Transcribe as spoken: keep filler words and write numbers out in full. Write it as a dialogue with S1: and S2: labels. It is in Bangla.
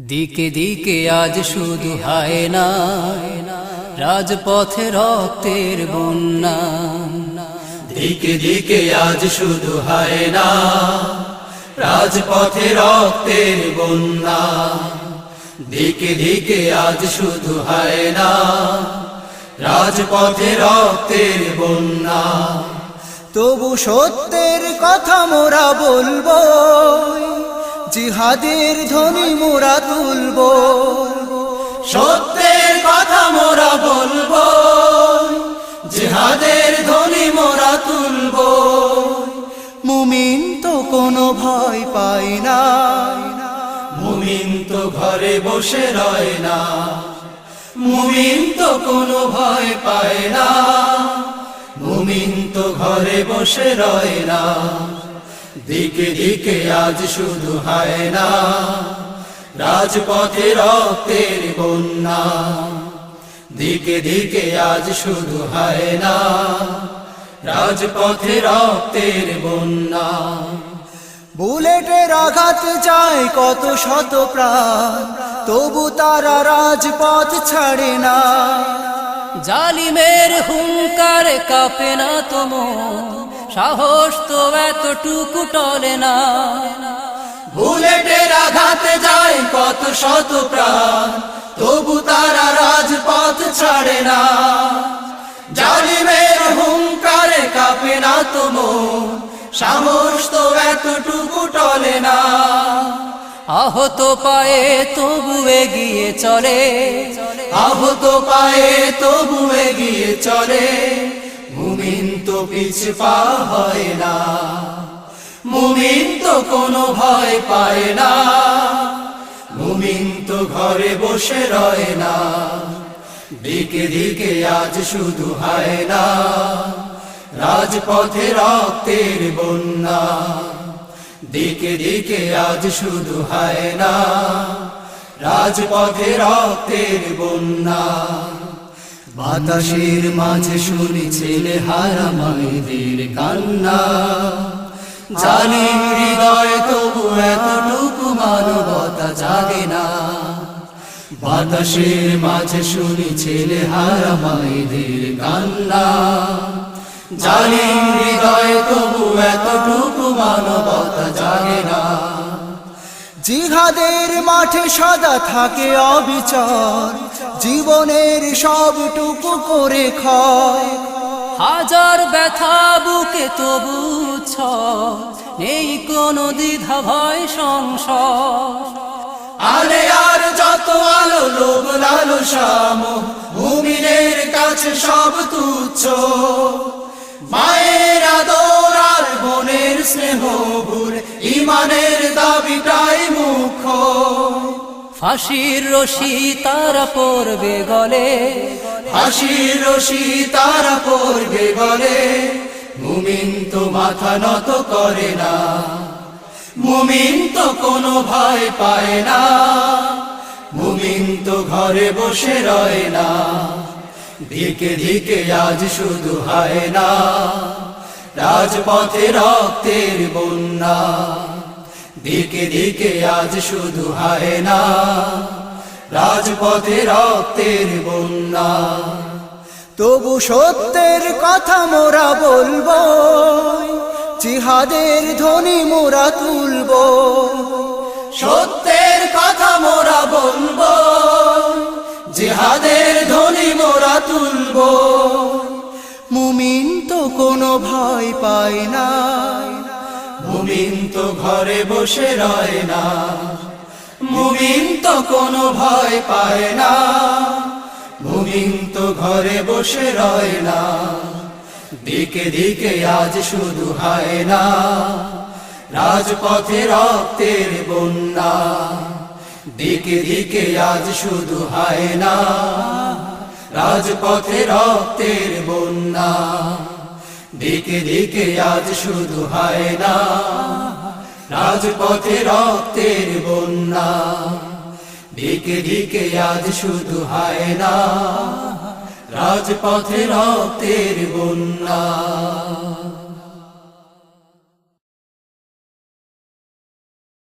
S1: দিকে দিকে আজ শুধু হায় না, রাজপথে রক্তের বন্যা।
S2: দিকে দিকে আজ শুধু হায় না, রাজপথে রক্তের বন্যা। দিকে দিকে আজ শুধু হায় না, রাজপথে রক্তের বন্যা।
S3: তবু সত্যের কথা মোরা বলবো, জিহাদের ধ্বনি মোরা তুলবো।
S2: সত্যের কথা মোরা বলবো, জিহাদের ধ্বনি মোরা তুলবো।
S3: মুমিন তো কোনো ভয় পায় না,
S2: মুমিন তো ঘরে বসে রয় না। মুমিন তো কোনো ভয় পায় না, মুমিন তো ঘরে বসে রয় না। দিকে দিকে আজ শুধু হায় না, রাজপথে রক্তের বন্যা। দিকে দিকে আজ শুধু হায় না, রাজপথে রক্তের বন্যা।
S3: বুলেটের আঘাত যায় কত শত প্রাণ, তবু তারা রাজপথ ছাড়ে না।
S1: জালিমের হুঙ্কারে কাঁপে না তো মন, সাহস তো এতটুকু টলে না।
S2: বুলেটের আঘাতে যায় কত শত প্রাণ, তবু তারা রাজপথ ছাড়ে না। জালিমের হুঙ্কারে কাঁপে না তো মন, সাহস তো এতটুকু টলে না।
S1: আহত পায়ে তবু এগিয়ে চলে,
S2: আহত পায়ে তবু এগিয়ে চলে। মুমিন তো পিছু পা হয় না, মুমিন তো কোনো ভয় পায় না। মুমিন তো ঘরে বসে রয় না। দিকে দিকে আজ শুধু হায় না, রাজপথে রক্তের বন্যা। দিকে দিকে আজ শুধু হায় না, রাজপথে রক্তের বন্যা। বাতাসের মাঝে শুনি ছেলে হারা মায়েদের কান্না। জালিম হৃদয় তবু এতটুকু মানবতা জাগে না। বাতাসের মাঝে শুনি ছেলে হারা মায়েদের কান্না। জালিম হৃদয় তবু এতটুকু মানবতা জাগে না।
S3: জিহাদের মাঠে সদা থাকে অবিচর, জীবনের সবটুকু করে ক্ষয়।
S1: হাজার ব্যথা বুকে তবু ছয়, নেই কোনো দ্বিধা ভয় সংশয়।
S2: আলে আর যত আলো লোভ লালসা মোহ, মুমিনের কাছে সব তুচ্ছ। মায়ের আদর আর বোনের স্নেহ ভুল, ইমানের দাবিটাই মুখ্য।
S1: ফাঁসির রশি তারা পড়বে গলে,
S2: ফাঁসির রশি তারা পড়বে গলে। মুমিন তো মাথা নত করে না, মুমিন তো কোনো ভয় পায় না। মুমিন তো ঘরে বসে রয় না। দিকে দিকে আজ শুধু হায় না, রাজপথে রক্তের বন্যা। দিকে দিকে আজ শুধু হায় না, রাজপথে রক্তের বন্যা।
S3: তবু সত্যের কথা মোরা বলবো, জিহাদের ধ্বনি মোরা তুলবো।
S2: সত্যের কথা মোরা বলবো, জিহাদের ধ্বনি মোরা তুলবো।
S3: মুমিন তো কোনো ভয় পায় না,
S2: মুমিন তো ঘরে বসে রয় না। মুমিন তো কোনো ভয় পায় না, মুমিন তো ঘরে বসে রয় না। দিকে দিকে আজ শুধু হায় না, রাজপথে রক্তের বন্যা। দিকে দিকে আজ শুধু হায় না, রাজপথে রক্তের বন্যা। দিকে দিকে আজ শুধু হায় না, রাজপথে রক্তের বন্যা। দিকে দিকে আজ শুধু হায় না, রাজপথে রক্তের বন্যা।